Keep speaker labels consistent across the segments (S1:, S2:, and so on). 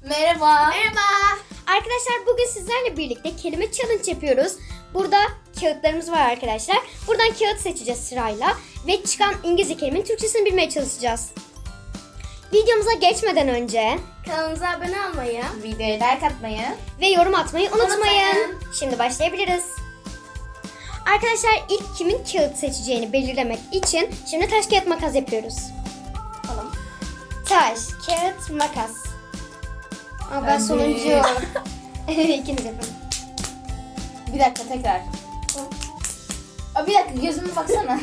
S1: Merhaba.
S2: Merhaba. Arkadaşlar bugün sizlerle birlikte kelime challenge yapıyoruz. Burada kağıtlarımız var arkadaşlar. Buradan kağıt seçeceğiz sırayla. Ve çıkan İngilizce kelimenin Türkçesini bilmeye çalışacağız. Videomuza geçmeden önce
S1: Kanalımıza abone olmayı, videoya like atmayı
S2: ve yorum atmayı unutmayın.
S1: Unutmayın.
S2: Şimdi başlayabiliriz. Arkadaşlar ilk kimin kağıt seçeceğini belirlemek için şimdi taş kağıt makas yapıyoruz.
S1: Tamam.
S2: Taş, kağıt, makas. Aa, ben
S1: Ben
S2: sonuncu. İkiniz yapın.
S1: Bir dakika tekrar. Bir dakika gözüme baksana.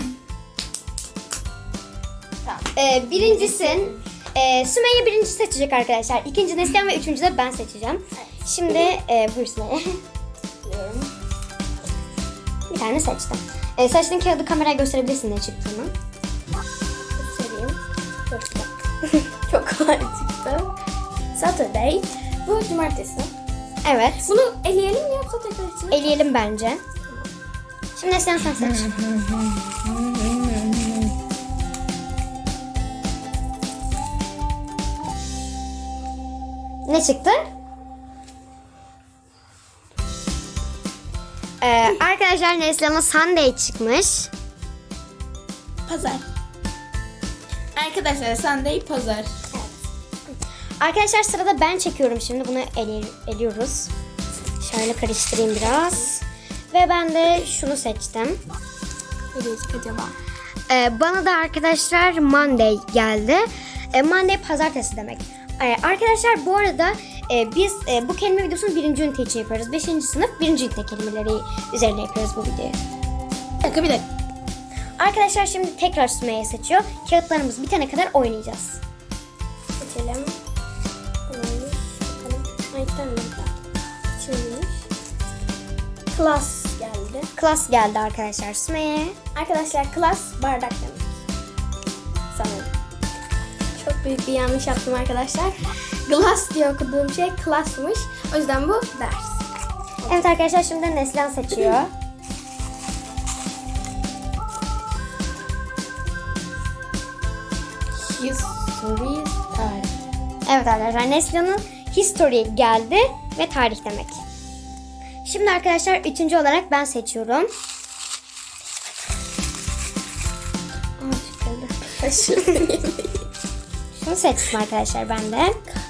S1: Tamam.
S2: Birincisi Sümeyye birinci seçecek arkadaşlar. İkinci Neslihan ve üçüncü de ben seçeceğim. Şimdi buyur Sümeyye.
S1: Biliyorum.
S2: Bir tane seçtim. Seçtiğin kağıdı kameraya gösterebilirsin ne çıktığını.
S1: Göstereyim. Çok güzel. Çok kolay çıktı. Saturday. Bu cumartesi.
S2: Evet.
S1: Bunu eleyelim mi yoksa tekrar içine?
S2: Eleyelim bence. Şimdi Neslihan sen seç. Ne çıktı? Arkadaşlar Neslihan'a Sunday çıkmış.
S1: Pazar. Arkadaşlar Sunday pazar.
S2: Arkadaşlar sırada ben çekiyorum şimdi. Bunu eliyoruz. Şöyle karıştırayım biraz. Ve ben de şunu seçtim.
S1: Ne diyecek acaba?
S2: Bana da arkadaşlar Monday geldi. Monday pazartesi demek. Arkadaşlar bu arada biz bu kelime videosunu birinci ünite için yapıyoruz. 5. sınıf birinci ünite kelimeleri üzerine yapıyoruz bu videoyu.
S1: Bir dakika.
S2: Arkadaşlar şimdi tekrar Sümeyye seçiyor. Kağıtlarımız bitene kadar oynayacağız.
S1: Seçelim. Klas geldi.
S2: Class geldi arkadaşlar Sümeyye.
S1: Arkadaşlar klas bardak demek. Sanırım. Çok büyük bir yanlış yaptım arkadaşlar. Glass diye okuduğum şey klasmış. O yüzden bu ders.
S2: Evet arkadaşlar şimdi Neslihan seçiyor.
S1: History tarih.
S2: Evet arkadaşlar Neslihan'ın history geldi ve tarih demek. Şimdi arkadaşlar üçüncü olarak ben seçiyorum. Şunu seçtim arkadaşlar ben de.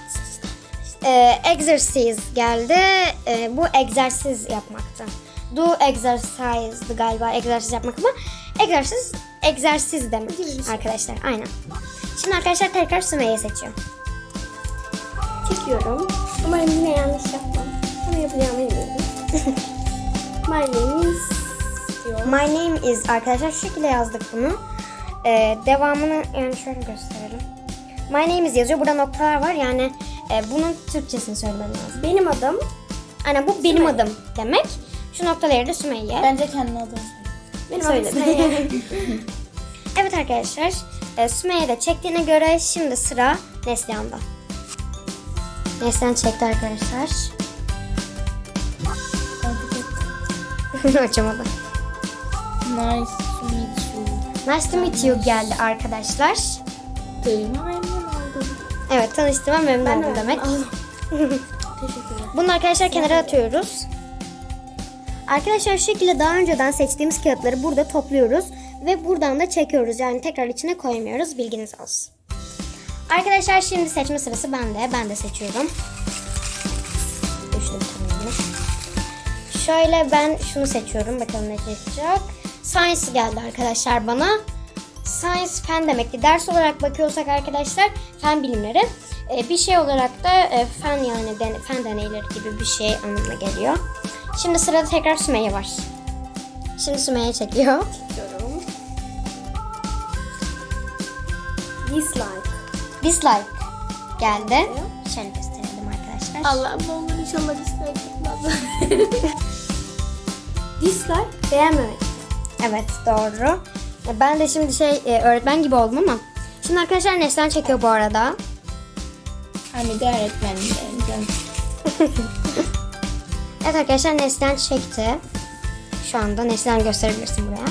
S2: Exercise geldi. Bu egzersiz yapmaktı. Do exercise'dı galiba egzersiz yapmak ama egzersiz demek arkadaşlar. Aynen. Şimdi arkadaşlar tekrar Sümeyye seçiyor.
S1: Çekiyorum. Umarım yine yanlış yapmam. Ama yapacağımı eminim. My name is diyor.
S2: My name is arkadaşlar şu şekilde yazdık bunu. Devamını yani şöyle gösterelim. My name is yazıyor. Burada noktalar var yani bunun Türkçesini söylemem lazım.
S1: Benim adım.
S2: Aynen bu benim adım demek. Şu noktaları da Sümeyye.
S1: Bence kendi adını
S2: Benim
S1: söyle.
S2: adım Sümeyye. Evet arkadaşlar Sümeyye de çektiğine göre şimdi sıra Neslihan'da. Neslihan çekti arkadaşlar. Açamadı.
S1: Nice to meet you.
S2: Nice to meet you geldi arkadaşlar.
S1: Duyma memnun oldum.
S2: Evet tanıştığıma memnun oldum demek.
S1: Teşekkür ederim.
S2: Bunu arkadaşlar kenara atıyoruz. Arkadaşlar şu şekilde daha önceden seçtiğimiz kağıtları burada topluyoruz. Ve buradan da çekiyoruz. Yani tekrar içine koymuyoruz. Bilginiz olsun. Arkadaşlar şimdi seçme sırası bende. Ben de seçiyorum. Düştüm tamamını. Şöyle ben şunu seçiyorum. Bakalım ne çıkacak. Science geldi arkadaşlar bana. Science fen demekti. Ders olarak bakıyorsak arkadaşlar fen bilimleri. Bir şey olarak da fen yani fen deneyleri gibi bir şey anlamına geliyor. Şimdi sırada tekrar Sümeyye var. Şimdi Sümeyye çekiyor.
S1: Çekiyorum. Dislike.
S2: Dislike geldi. Şöyle gösterelim arkadaşlar.
S1: Allah'ım ne olur inşallah dislike yapmaz. Dislike beğenmemek.
S2: Evet doğru. Ben de şimdi öğretmen gibi oldum ama. Şimdi arkadaşlar Neslihan çekiyor bu arada.
S1: Hani de öğretmenim.
S2: Evet arkadaşlar Neslihan çekti. Şu anda Neslihan gösterebilirsin buraya.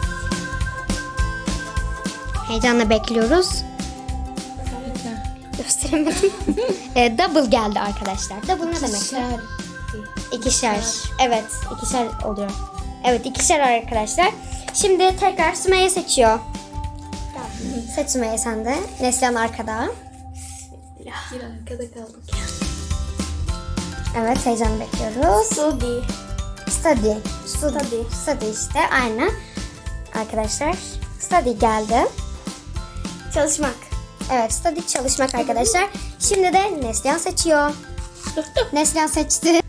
S2: Heyecanla bekliyoruz. gösteremedim. Double geldi arkadaşlar. Double ne demek? İkişer. Evet, ikişer oluyor. Evet, ikişer arkadaşlar. Şimdi tekrar Sümeyye seçiyor. Seç Sümeyye sen de. Neslihan arkada.
S1: Bir arkada kaldık.
S2: Evet, heyecanla bekliyoruz.
S1: Study.
S2: Study işte, aynı. Arkadaşlar, study geldi.
S1: Çalışmak.
S2: Evet, study çalışmak arkadaşlar. Şimdi de Neslihan seçiyor. Neslihan seçti.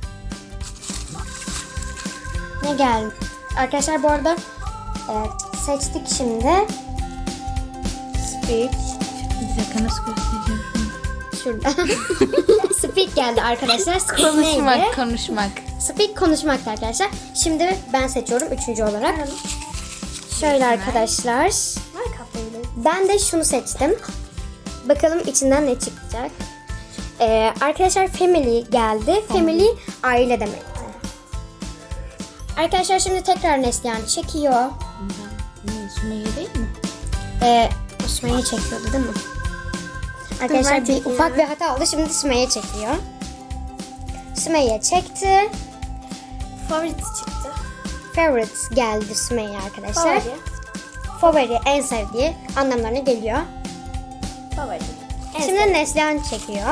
S2: Ne geldi? Arkadaşlar bu arada seçtik şimdi. Speak.
S3: Bir dakika nasıl göstereceğim şunu?
S2: Şurada. Speak geldi arkadaşlar. Speak neydi?
S3: Konuşmak.
S2: Speak konuşmak arkadaşlar. Şimdi ben seçiyorum 3. olarak. Şöyle arkadaşlar.
S1: Var kafayla.
S2: Ben de şunu seçtim. Bakalım içinden ne çıkacak. Arkadaşlar family geldi. Family aile demekti. Arkadaşlar şimdi tekrar Neslihan çekiyor.
S3: Sümeyye değil mi?
S2: Sümeyye çekiyordu değil mi? Arkadaşlar bir ufak bir hata oldu. Şimdi Sümeyye çekiyor. Sümeyye çekti.
S1: Favorite çıktı.
S2: Favorite geldi Sümeyye arkadaşlar.
S1: Favori.
S2: Favori, en sevdiği anlamlarına geliyor.
S1: Favori.
S2: Şimdi Neslihan çekiyor.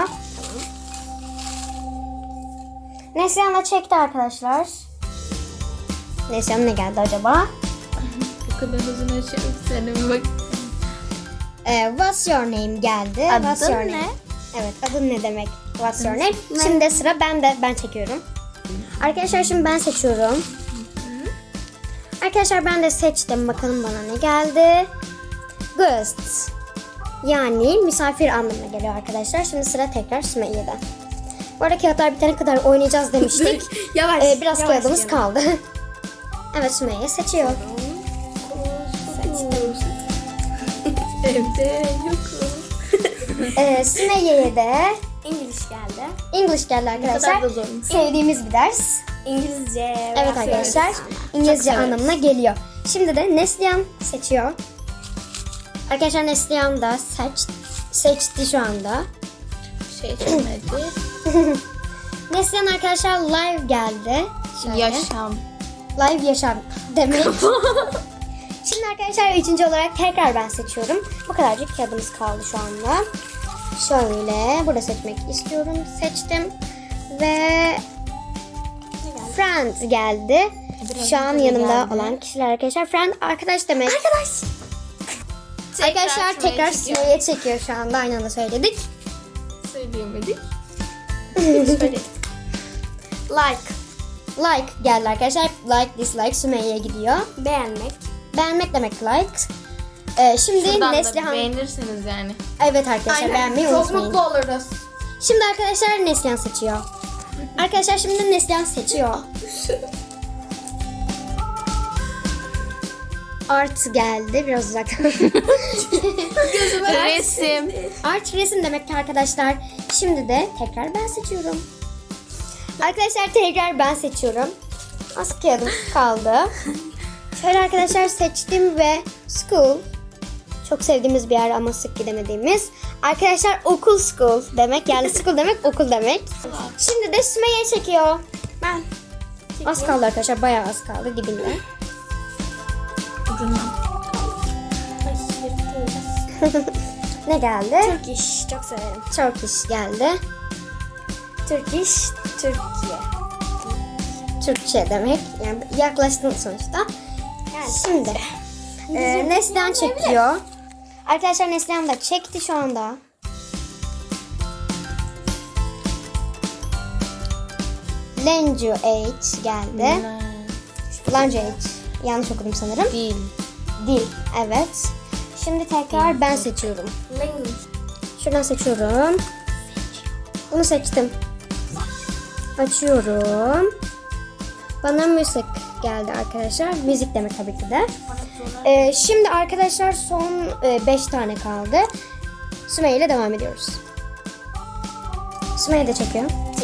S2: Neslihan da çekti arkadaşlar. Neslihan ne geldi acaba?
S3: Bu kadar uzun açıyorum sana bir bak.
S2: What's your name geldi.
S1: Adın
S2: What's your
S1: ne?
S2: name? Evet, adın ne demek? What's your name? Şimdi de sıra bende. Ben çekiyorum. Arkadaşlar şimdi ben seçiyorum. Arkadaşlar ben de seçtim. Bakalım bana ne geldi. Guest. Yani misafir anlamına geliyor arkadaşlar. Şimdi sıra tekrar Sümeyye'de. Bu arada kağıtlar bitene kadar oynayacağız demiştik.
S1: Yavaş.
S2: Biraz
S1: yavaş
S2: kağıdımız
S1: yavaş.
S2: kaldı. Evet, Sümeyye seçiyor.
S1: Evde yokum.
S2: Sümeyye'ye de
S1: İngiliz geldi.
S2: English geldi arkadaşlar.
S3: kadar da zormuş.
S2: Sevdiğimiz bir ders.
S1: İngilizce.
S2: Evet arkadaşlar, İngilizce
S3: severiz.
S2: anlamına geliyor. Şimdi de Neslihan seçiyor. Arkadaşlar Neslihan da seçti şu anda.
S3: Seçmedi.
S2: Neslihan arkadaşlar live geldi. Şöyle.
S3: Yaşam.
S2: Live yaşam demek. Şimdi arkadaşlar 3. olarak tekrar ben seçiyorum. Bu kadarcık kağıdımız kaldı şu anda. Şöyle burada seçmek istiyorum. Seçtim. Ve friend geldi. Şu an yanımda
S3: geldi.
S2: olan kişiler arkadaşlar. Friend arkadaş demek. Arkadaşlar tekrar
S3: Sümeyye çekiyor.
S2: Sümeyye çekiyor şu anda. Aynı anda söyledik.
S3: Söyleyemedik.
S1: Like.
S2: Like geldi arkadaşlar. Like, dislike Sümeyye'ye gidiyor.
S1: Beğenmek.
S2: Beğenmek demek like. Şimdi
S3: Şuradan da
S2: Neslihan.
S3: beğenirseniz yani.
S2: Evet arkadaşlar, beğenmeyi
S1: Çok
S2: unutmayın.
S1: mutlu oluruz.
S2: Şimdi arkadaşlar Neslihan seçiyor. Arkadaşlar şimdi Neslihan seçiyor. Art geldi. Biraz uzaktan.
S3: Resim.
S2: Art resim demek ki arkadaşlar. Şimdi de tekrar ben seçiyorum. Arkadaşlar tekrar ben seçiyorum. Az kağıdım kaldı. Şöyle arkadaşlar seçtim ve school. Çok sevdiğimiz bir yer ama sık gidemediğimiz. Arkadaşlar okul school demek. Yani school demek okul demek. Şimdi de Sümeyye çekiyor.
S1: Ben.
S2: Az kaldı arkadaşlar. Bayağı az kaldı dibinde.
S3: Ucundan.
S2: Ne geldi?
S1: Turkish. Çok severim.
S2: Turkish geldi.
S1: Turkish. Türkiye.
S2: Türkçe demek. Yani yaklaştın sonuçta.
S1: Yani
S2: Şimdi Neslihan çekiyor. Arkadaşlar Neslihan da çekti şu anda. Language geldi. Language. Yanlış okudum sanırım.
S3: Değil.
S2: Dil. Evet. Şimdi tekrar ben seçiyorum.
S1: language.
S2: Şuradan seçiyorum. Bunu seçtim. Açıyorum. Bana müzik geldi arkadaşlar. Müzik demek tabii ki de. Şimdi arkadaşlar son 5 tane kaldı. Sümeyye ile devam ediyoruz. Sümeyye de çekiyor.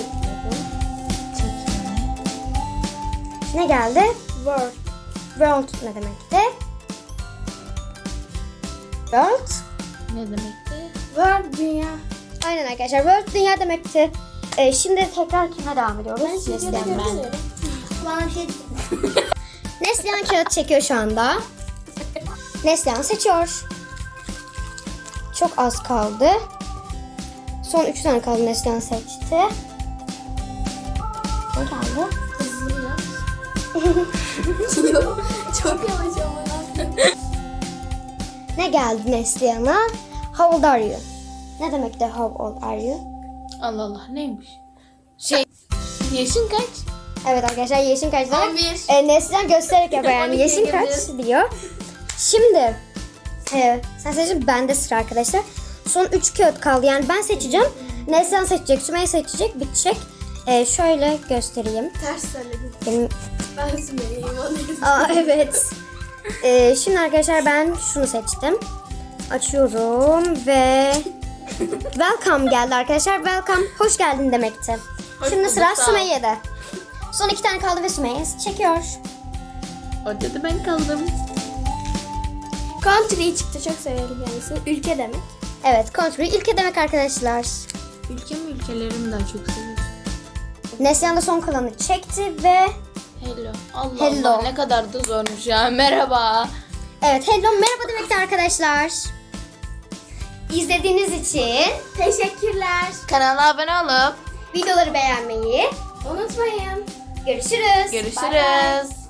S2: Ne geldi?
S1: World.
S2: World ne demekti? World.
S3: Ne demekti?
S1: World dünya.
S2: Aynen arkadaşlar. World dünya demekti. Şimdi tekrar kime devam ediyoruz? Neslihan ben.
S1: Bana bir şey
S2: Neslihan kağıt çekiyor şu anda. Neslihan seçiyor. Çok az kaldı. Son 3 tane kaldı. Neslihan seçti. Ne geldi?
S1: Çok yavaş ama.
S2: Ne geldi Neslihan'a? How old are you? Ne demek de how old are you?
S3: Allah Allah neymiş? Yaşın kaç?
S2: Evet arkadaşlar yaşın kaç demek?
S1: 11.
S2: Neslihan göstererek yapıyor yani
S1: 12'ye
S2: yaşın kaç
S1: gidiyoruz.
S2: diyor. Şimdi sen seçin, bende sıra arkadaşlar. Son 3 kağıt kaldı yani ben seçeceğim. Neslihan seçecek, Sümeyye seçecek, bitecek. Şöyle göstereyim.
S1: Ters söyledim.
S2: Benim...
S1: Ben Sümeyye'yim.
S2: Aa evet. Şimdi arkadaşlar ben şunu seçtim. Açıyorum ve welcome geldi arkadaşlar. Welcome, hoş geldin demekti.
S3: Hoş
S2: Şimdi
S3: bulduk,
S2: sıra
S3: sağ ol.
S2: Sümeyye'de. Son 2 tane kaldı ve Sümeyye çekiyor.
S3: Orada da ben kaldım.
S1: Country çıktı. Çok severim kendisini. Ülke demek.
S2: Evet, country ülke demek arkadaşlar.
S3: Ülkelerimi daha çok seviyorum.
S2: Neslihan da son kalanı çekti ve
S3: Hello. Allah
S2: Hello.
S3: Allah ne kadar da zormuş ya. Merhaba.
S2: evet, hello merhaba demekti arkadaşlar. İzlediğiniz için
S1: Teşekkürler.
S3: Kanala abone olup
S2: videoları beğenmeyi
S1: Unutmayın.
S2: görüşürüz.
S3: görüşürüz.